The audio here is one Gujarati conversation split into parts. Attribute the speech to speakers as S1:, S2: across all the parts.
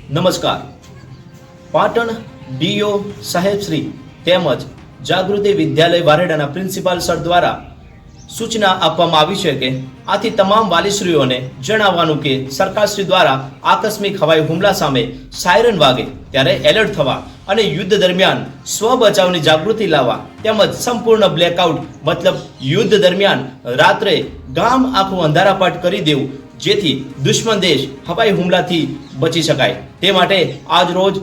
S1: નમસ્કાર. પાટણ ડીઓ સાહેબશ્રી તેમજ જાગૃતિ વિદ્યાલય વારેડાના પ્રિન્સિપાલ સર દ્વારા સૂચના આપવામાં આવી છે કે આથી તમામ વાલીશ્રીઓને જણાવવાનું કે સરકારશ્રી દ્વારા આકસ્મિક હવાઈ હુમલા સામે સાયરન વાગે ત્યારે એલર્ટ થવા અને યુદ્ધ દરમિયાન સ્વ બચાવની જાગૃતિ લાવવા તેમજ સંપૂર્ણ બ્લેકઆઉટ મતલબ યુદ્ધ દરમિયાન રાત્રે ગામ આખું અંધારાપાટ કરી દેવું જેથી દુશ્મન દેશ હવાઈ હુમલાથી બચી શકાય તે માટે આજ રોજ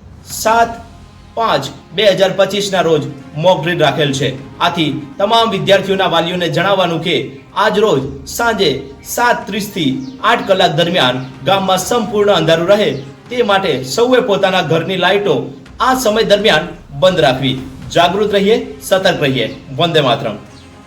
S1: 7/5/2025 રોજ મોક ડ્રીલ રાખેલ છે. આથી તમામ વિદ્યાર્થીઓના વાલીઓને જણાવવાનું કે આજ રોજ સાંજે 7:30 થી 8 કલાક દરમિયાન ગામમાં સંપૂર્ણ અંધારું રહે તે માટે સૌએ પોતાના ઘરની લાઇટો આ સમય દરમિયાન બંધ રાખવી. જાગૃત રહીએ, સતર્ક રહીએ. વંદે માતરમ.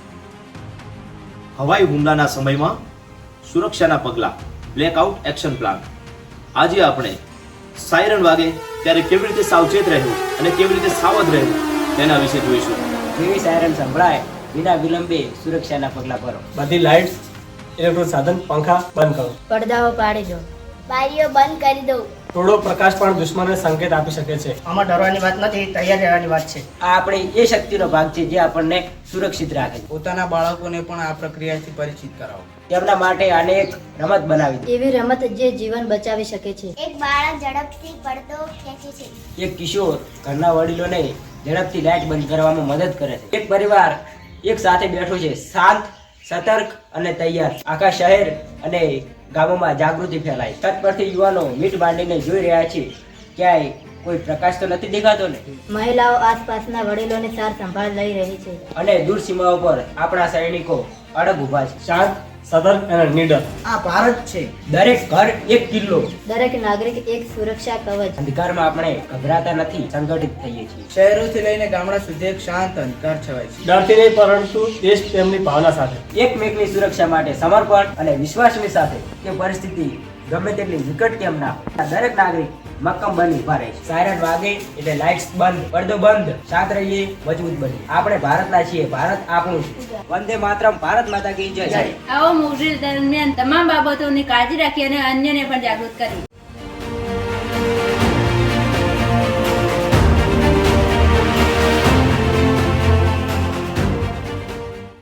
S1: હવાઈ હુમલાના સમયમાં સુરક્ષાના પગલાં, બ્લેકઆઉટ એક્શન પ્લાન. આજે આપણે સાયરન વાગે ત્યારે કેવી રીતે સાવચેત રહેવું અને કેવી રીતે સાવધ રહેવું તેના વિશે જોઈશું.
S2: જેવી સાયરન સંભળાય વિના વિલંબે સુરક્ષાના પગલાં ભરો.
S3: બધી લાઇટ્સ, ઇલેક્ટ્રોનિક સાધન, પંખા બંધ કરો.
S4: પડદાઓ પાડી દો.
S5: બારીઓ બંધ કરી દો.
S3: થોડો પ્રકાશ પણ દુશ્મનને સંકેત આપી શકે છે.
S6: આમાં ડરવાની વાત નથી, તૈયાર રહેવાની વાત છે.
S2: આ આપણી એ શક્તિનો ભાગ છે જે આપણને સુરક્ષિત રાખે છે.
S7: પોતાના બાળકોને પણ આ પ્રક્રિયાથી પરિચિત કરાવો.
S2: તેમના માટે આને એક રમત બનાવી દો.
S4: એવી રમત જે જીવન બચાવી શકે છે.
S5: એક બાળક ઝડપથી પડદો ખેંચે છે.
S2: એક કિશોર ઘરના વડીલોને ઝડપથી લાઇટ બંધ કરવામાં મદદ કરે છે. એક પરિવાર એક સાથે બેઠો છે, શાંત, સતર્ક અને તૈયાર. આખા શહેર અને ગામોમાં જાગૃતિ ફેલાય. છત પરથી યુવાનો મીટ બાંધીને જોઈ રહ્યા છે. ક્યાંય કોઈ પ્રકાશ તો નથી દેખાતો ને?
S4: મહિલાઓ આસપાસના વડીલોની સાર સંભાળ લઈ રહી છે.
S2: અને દૂર સીમાઓ પર આપણા સૈનિકો અડગ ઊભા છે.
S3: શાંત, સતર્ક અને નીડર.
S6: આ ભારત છે.
S2: દરેક ઘર એક કિલ્લો.
S4: દરેક નાગરિક એક સુરક્ષા કવચ.
S2: અંધકારમાં આપણે ગભરાતા નથી, સંગઠિત થઈએ છીએ.
S7: શહેરોથી લઈને ગામડા સુધી એક શાંત અંધકાર છવાય છે.
S3: ડરથી નહીં પરંતુ દેશ પ્રેમની ભાવના સાથે.
S2: એકમેકની સુરક્ષા માટે સમર્પણ અને વિશ્વાસની સાથે કે પરિસ્થિતિ ગમે તેટલી વિકટ કેમ ના હોય, દરેક નાગરિક મક્કમ બની ઉભા રહે છે. સાયરન વાગે એટલે લાઇટ્સ બંધ, પડદો બંધ, શાંત રહીએ, મજબૂત બની. આપણે ભારતના છીએ, ભારત આપણું છે. વંદે માતરમ. ભારત માતા કી જય.
S8: આવો મોક ડ્રીલ દરમિયાન તમામ બાબતોની કાળજી રાખી અને અન્યને પણ જાગૃત કરી.